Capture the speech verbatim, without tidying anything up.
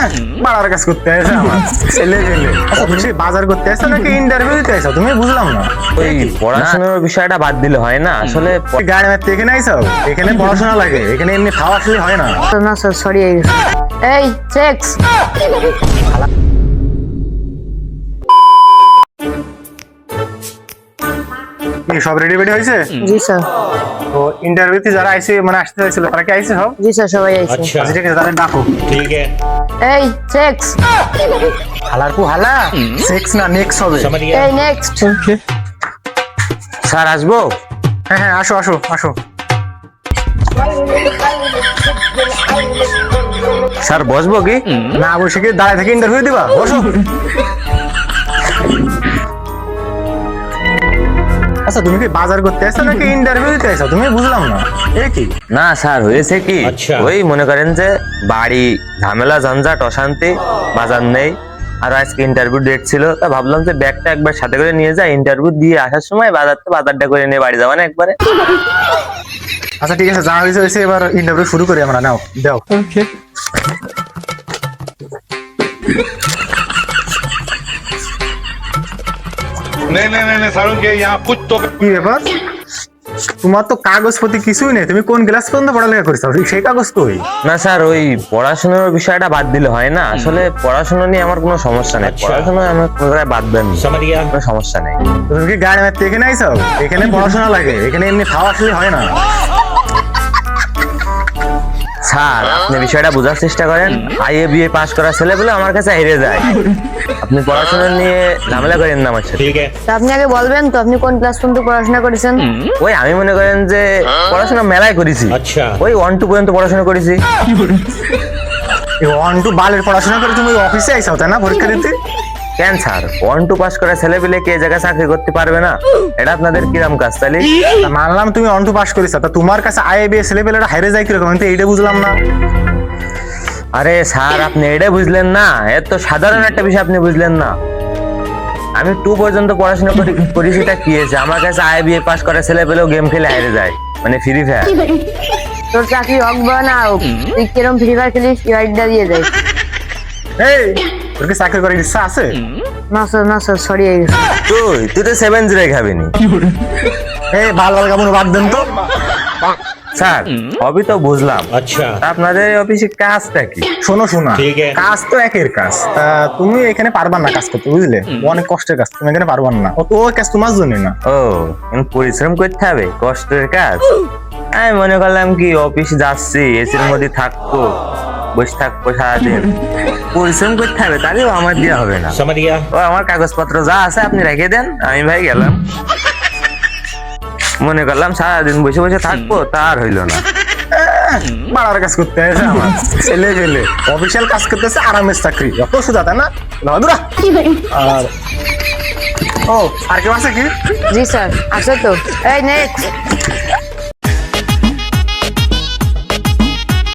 বাড়ার কাজ করতে আসে আমার ছেলে ছেলে আচ্ছা তুমি সেই বাজার করতে আসছো নাকি ইন্টারভিউ দিতে আসছো তুমি বুঝলাম না ওই পড়াশোনার বিষয়টা বাদ দিলে হয় না আসলে প- গাড়ি মারতে এখানে আইছো এখানে পড়াশোনা লাগে এখানে এমনি খাওয়া আসলে হয় না না স্যার সরি এই চেক্স কি সব রেডি রেডি হয়েছে জি স্যার তো ইন্টারভিউতে যারা আইছে মানে আসতে হয়েছিল তারা কি আইছে সব জি স্যার সবাই আইছে আচ্ছা ঠিক আছে তাদের ডাকো ठीक है এই চেক্স হালার পু হালা সেক্স না নেক্সট হবে समझ गया এই নেক্সট স্যার আসবো? হ্যাঁ হ্যাঁ আসো আসো আসো স্যার বসবো কি? না বসে কি দাঁড়ায় থেকে ইন্টারভিউ দিবা বসো আচ্ছা তুমি কি বাজার করতে আসছো নাকি ইন্টারভিউ দিতে আসছো তুমি বুঝলাম না এ কি না স্যার হয়েছে কি আচ্ছা। ওই মনে করেন যে বাড়ি ঝামেলা ঝঞ্ঝাট অশান্তি বাজার নেই আর আজকে ইন্টারভিউ ডেট ছিল তা ভাবলাম যে ব্যাগটা একবার সাথে করে নিয়ে যাই ইন্টারভিউ দিয়ে আসার সময় বাজার তো বাজারটা করে নিয়ে বাড়ি যাবো না একবারে আচ্ছা ঠিক আছে যা হয়েছে হয়েছে এবার ইন্টারভিউ শুরু করি আমরা নাও দাও नहीं नहीं नहीं नहीं सारुण के यहाँ कुछ तो কি ব্যাপার তোমার তো কাগজপত্র কিছুই নেই তুমি কোন ক্লাস পর্যন্ত পড়ালেখা করেছো সেই কাগজ কই না স্যার ওই পড়াশোনার বিষয়টা বাদ দিলে হয় না আসলে পড়াশোনা নিয়ে আমার কোনো সমস্যা নেই আচ্ছা। পড়াশোনা আমার কোনো জায়গায় বাদ দেন समझ गया কোনো সমস্যা নেই তুমি কি গাড়ি মারতে এখানে আইছো এখানে পড়াশোনা লাগে এখানে এমনি খাওয়া আসলে হয় না স্যার আপনি বিষয়টা বোঝার চেষ্টা করেন আইএ বিএ পাস করা ছেলে বলে আমার কাছে হেরে যায় আপনি পড়াশোনা নিয়ে ঝামেলা করেন না আমার সাথে ठीक है তা আপনি আগে বলবেন তো আপনি কোন ক্লাস পর্যন্ত পড়াশোনা করেছেন ওই আমি মনে করেন যে পড়াশোনা মেলায় করেছি अच्छा ওই ওয়ান টু পর্যন্ত পড়াশোনা করেছি ওয়ান টু বালের পড়াশোনা করে তুমি অফিসে আইছো তাই না পরীক্ষা দিতে কেন স্যার ওয়ান টু পাস করা ছেলে পেলে কে জায়গায় চাকরি করতে পারবে না এটা আপনাদের কিরম কাজ তাহলে তা মানলাম তুমি ওয়ান টু পাস করেছো তা তোমার কাছে আইএ বিএ ছেলে পেলেরা হাইরে যায় কিরকম আমি তো এইটা বুঝলাম না আরে স্যার আপনি এটা বুঝলেন না এর তো সাধারণ একটা বিষয় আপনি বুঝলেন না আমি টু পর্যন্ত পড়াশোনা করি করি সেটা কি হয়েছে আমার কাছে আই বিএ পাস করা ছেলে পেলেও গেম খেলে হারিয়ে যায় মানে ফ্রি ফায়ার তোর চাকরি হোক বা না হোক তুই কিরম ফ্রি ফায়ার খেলিস ইউআইডিটা দিয়ে দেয় এই তোর কি চাকরি করার ইচ্ছা আছে না স্যার না স্যার সরি তুই তুই তো সেভেন জিরো খাবিনি এই ভাল ভাল কামড় বাদ দেন তো স্যার হবি তো বুঝলাম अच्छा তা আপনাদের অফিসে কাজটা কি শোনো শোনা ঠিক আছে। কাজ তো একের কাজ তা তুমি এখানে পারবা না কাজ করতে বুঝলে অনেক কষ্টের কাজ তুমি এখানে পারবা না ও তো ও কাজ তোমার জন্য না ও এখন পরিশ্রম করতে হবে কষ্টের কাজ আমি মনে করলাম কি অফিস যাচ্ছি এসির মধ্যে থাকবো বসে থাকবো সারাদিন পরিশ্রম করতে হবে তাহলেও আমার দেওয়া হবে না समझ गया ও আমার কাগজপত্র যা আছে আপনি রেখে দেন আমি ভাই গেলাম মনে করলাম সারাদিন বসে বসে থাকবো তার হইলো না বাড়ার কাজ করতে আসে আমার ছেলে ছেলে অফিসিয়াল কাজ করতেছে আরামের চাকরি অত সুদা তাই না লাদুরা আর ও আর কেউ আছে কি জি স্যার আছে তো এই নেক্সট